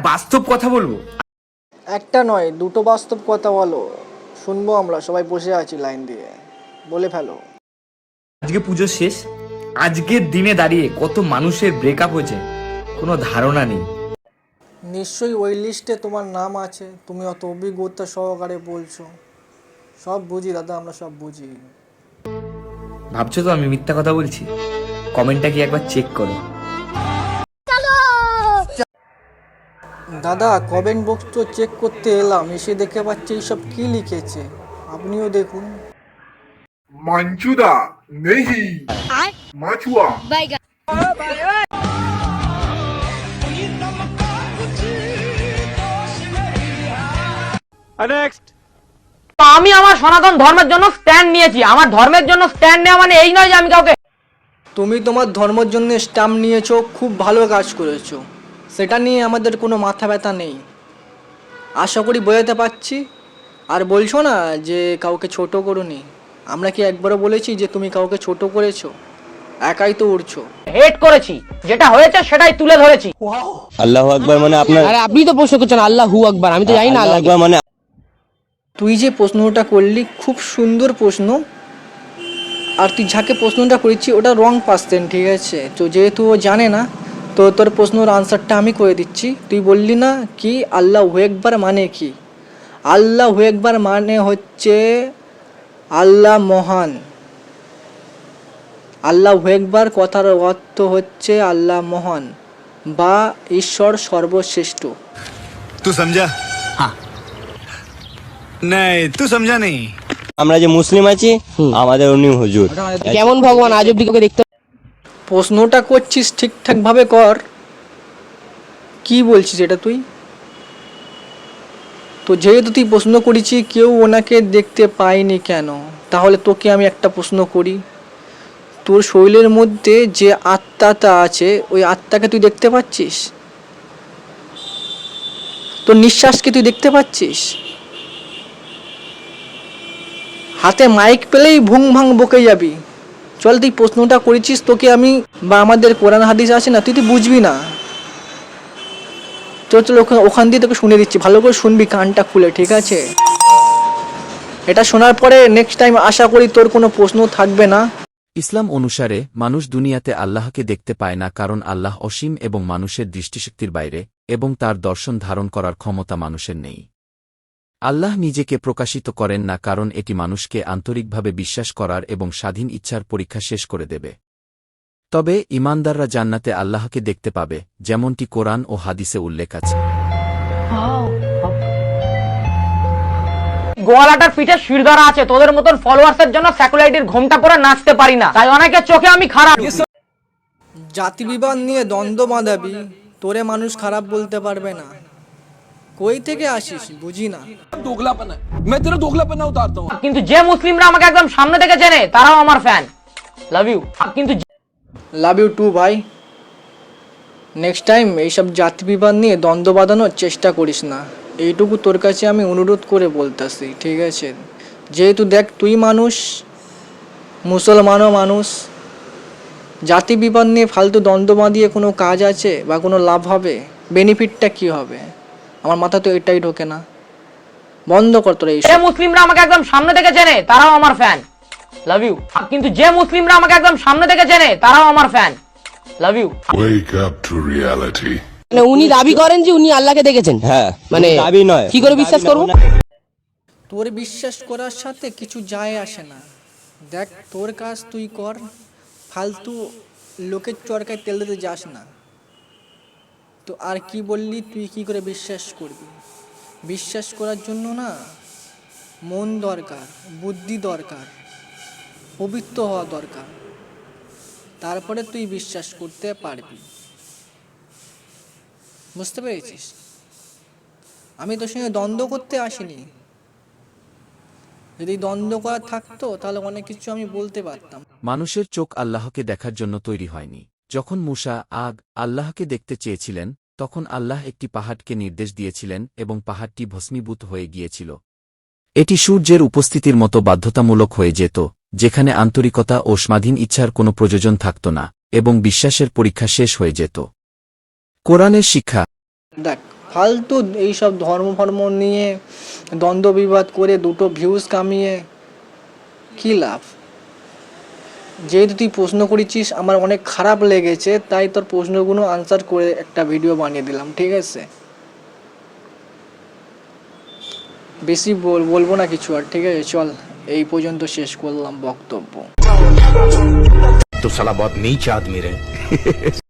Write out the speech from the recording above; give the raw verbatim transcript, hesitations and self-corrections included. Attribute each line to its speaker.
Speaker 1: বাস্তব কথা বলবো।
Speaker 2: একটা নয়, দুটো বাস্তব কথা বলো, শুনবো আমরা, সবাই বসে আছি লাইন দিয়ে, বলে ফেলো।
Speaker 1: আজকে পুজো শেষ, আজকের দিনে দাঁড়িয়ে কত মানুষের ব্রেকআপ হয়েছে কোনো ধারণা নেই।
Speaker 2: নিশ্চয়ই ওই লিস্টে তোমার নাম আছে, তুমি অত অভিজ্ঞতা সহকারে বলছো। সব বুঝি দাদা, আমরা সব বুঝি।
Speaker 1: ভাবছো তো আমি মিথ্যা কথা বলছি? কমেন্টটা কি একবার চেক করো।
Speaker 2: দাদা কমেন্ট বক্স তো চেক করতে এলাম, এসে দেখে পাচ্ছি এইসব কি লিখেছে, আপনিও দেখুন।
Speaker 3: मंचूदा नहीं माचुआ
Speaker 4: আমি আমার সনাতন ধর্মের জন্য স্ট্যান্ড নিয়েছি। আমার ধর্মের জন্য স্ট্যান্ড নেওয়া মানে এই নয় যে আমি কাউকে।
Speaker 2: তুমি তোমার ধর্মের জন্য স্ট্যাম্প নিয়েছো, খুব ভালো কাজ করেছো, সেটা নিয়ে আমাদের কোনো মাথা ব্যথা নেই, আশা করি বোঝাতে পারছি। আর বলছো না যে কাউকে ছোট করোনি, আমরা কি একবারও বলেছি যে তুমি কাউকে ছোট করেছো? একাই তো উড়ছো।
Speaker 4: হেট করেছি, যেটা হয়েছে সেটাই তুলে ধরেছি।
Speaker 5: আল্লাহু আকবার মানে আপনার,
Speaker 6: আরে আপনি তো প্রশ্ন করছেন আল্লাহু আকবার, আমি তো জানি না আল্লাহু
Speaker 5: আকবার মানে।
Speaker 2: তুই যে প্রশ্নটা করলি খুব সুন্দর প্রশ্ন, আর তুই যাকে প্রশ্নটা করেছি ওটা রং পার্সন, ঠিক আছে? তো যেহেতু ও জানে না, তো তোর প্রশ্নের আনসারটা আমি করে দিচ্ছি। তুই বললি না কি আল্লাহু আকবার মানে কি? আল্লাহু আকবার মানে হচ্ছে আল্লাহ মহান। আল্লাহু আকবার কথার অর্থ হচ্ছে আল্লাহ মহান বা ঈশ্বর সর্বশ্রেষ্ঠ।
Speaker 7: तू समझा? हाँ नहीं तू समझा नहीं।
Speaker 5: আমরা যে মুসলিম আছি, আমাদের উনি হুজুর।
Speaker 6: কেমন ভগবান আজ অব্দি কাউকে দেখতে?
Speaker 2: প্রশ্নটা করছিস ঠিকঠাকভাবে কর, কি বলছিস এটা তুই? তো যেহেতু তুই প্রশ্ন করেছি কেউ ওনাকে দেখতে পায়নি কেন, তাহলে তোকে আমি একটা প্রশ্ন করি, তোর শরীরের মধ্যে যে আত্মাটা আছে ওই আত্মাকে তুই দেখতে পাচ্ছিস? তোর নিঃশ্বাসকে তুই দেখতে পাচ্ছিস? হাতে মাইক পেলেই ভুং ভাং বকে যাবি। চল, তুই প্রশ্নটা করেছিস, তোকে আমি বা আমাদের কোরআন হাদিস আছে না, তুই তুই বুঝবি না। চল চল ওখান ওখান দিয়ে তোকে শুনে দিচ্ছি, ভালো করে শুনবি কানটা খুলে, ঠিক আছে? এটা শোনার পরে নেক্সট টাইম আশা করি তোর কোনো প্রশ্ন থাকবে না।
Speaker 8: ইসলাম অনুসারে মানুষ দুনিয়াতে আল্লাহকে দেখতে পায় না, কারণ আল্লাহ অসীম এবং মানুষের দৃষ্টিশক্তির বাইরে, এবং তার দর্শন ধারণ করার ক্ষমতা মানুষের নেই। আল্লাহ নিজেকে প্রকাশিত করেন না, কারণ এটি মানুষকে আন্তরিকভাবে বিশ্বাস করার এবং স্বাধীন ইচ্ছার পরীক্ষা শেষ করে দেবে। তবে ঈমানদাররা জান্নাতে আল্লাহকে দেখতে পাবে, যেমনটি কোরআন ও হাদিসে উল্লেখ আছে।
Speaker 4: গোয়ালাটার পিঠে শিরদাঁড়া আছে, তোদের মতন ফলোয়ার্সের জন্য স্যাকুলাইটির ঘোমটা পরে নাচতে পারি না, তাই অনেকের চোখে আমি খারাপ।
Speaker 2: জাতি বিবাদ নিয়ে দ্বন্দ্ব বাঁধাবি, তোরে মানুষ খারাপ বলতে পারবে না। কই থেকে আসিস বুঝি না।
Speaker 4: কিন্তু যে মুসলিমরা আমাকে একদম সামনে থেকে চেনে তারাও আমার ফ্যান। Love you. কিন্তু
Speaker 2: লাভ ইউ টু ভাই। নেক্সট টাইম এইসব জাতি বিবাদ নিয়ে দ্বন্দ্ব বাঁধানোর চেষ্টা করিস না, এইটুকু তোর কাছে আমি অনুরোধ করে বলতেছি, ঠিক আছে? যেহেতু দেখ তুই মানুষ, মুসলমানও মানুষ, জাতি বিবাদ নিয়ে ফালতু দ্বন্দ্ব বাঁধিয়ে কোনো কাজ আছে বা কোনো লাভ হবে? বেনিফিটটা কি হবে? আমার মাথা তো এটাই ঢোকে না। বন্ধ কর তোরা এইসব।
Speaker 4: যে মুসলিমরা আমাকে একদম সামনে থেকে চেনে তারাও আমার ফ্যান। Love you. কিন্তু যে মুসলিমরা আমাকে একদম সামনে থেকে চেনে তারাও আমার fan. Love you.
Speaker 3: Wake up to reality.
Speaker 6: মানে উনি দাবি করেন যে উনি আল্লাহকে দেখেছেন।
Speaker 5: হ্যাঁ,
Speaker 6: মানে
Speaker 5: দাবি নয়,
Speaker 6: কি করে বিশ্বাস করব?
Speaker 2: তোর বিশ্বাস করার সাথে কিছু যায় আসে না। দেখ তোর কাজ তুই কর, ফালতু লোকের চরকায় তেল দিতে যাস না। তো আর কি বললি, তুই কি করে বিশ্বাস করবি? বিশ্বাস করার জন্য না মন দরকার, বুদ্ধি দরকার, পবিত্র হওয়া দরকার, তারপরে তুই বিশ্বাস করতে পারবি। বুঝতে পেরেছিস? আমি তোর সঙ্গে দ্বন্দ্ব করতে আসিনি। যদি দ্বন্দ্ব করা থাকতো তাহলে অনেক কিছু আমি বলতে পারতাম।
Speaker 8: মানুষের চোখ আল্লাহকে দেখার জন্য তৈরি হয়নি। যখন মূসা আগ আল্লাহকে দেখতে চেয়েছিলেন, তখন আল্লাহ একটি পাহাড়কে নির্দেশ দিয়েছিলেন এবং পাহাড়টি ভস্মীভূত হয়ে গিয়েছিল। এটি সূর্যের উপস্থিতির মতো বাধ্যতামূলক হয়ে যেত, যেখানে আন্তরিকতা ও স্বাধীন ইচ্ছার কোনো প্রয়োজন থাকত না, এবং বিশ্বাসের পরীক্ষা শেষ হয়ে যেত। কোরআনের শিক্ষা।
Speaker 2: দেখ ফালতু এইসব ধর্ম ফর্ম নিয়ে দ্বন্দ্ব বিবাদ করে দুটো ভিউজ কামিয়ে কী লাভ? যেহেতু তুই প্রশ্ন করেছিস আমার অনেক খারাপ লেগেছে, তাই তোর প্রশ্নগুলো আনসার করে একটা ভিডিও বানিয়ে দিলাম, ঠিক আছে? বেশি বল- বলবো না কিছু আর, ঠিক আছে? চল এই পর্যন্ত শেষ করলাম বক্তব্য।
Speaker 7: तो साला बहुत नीच आदमी रहे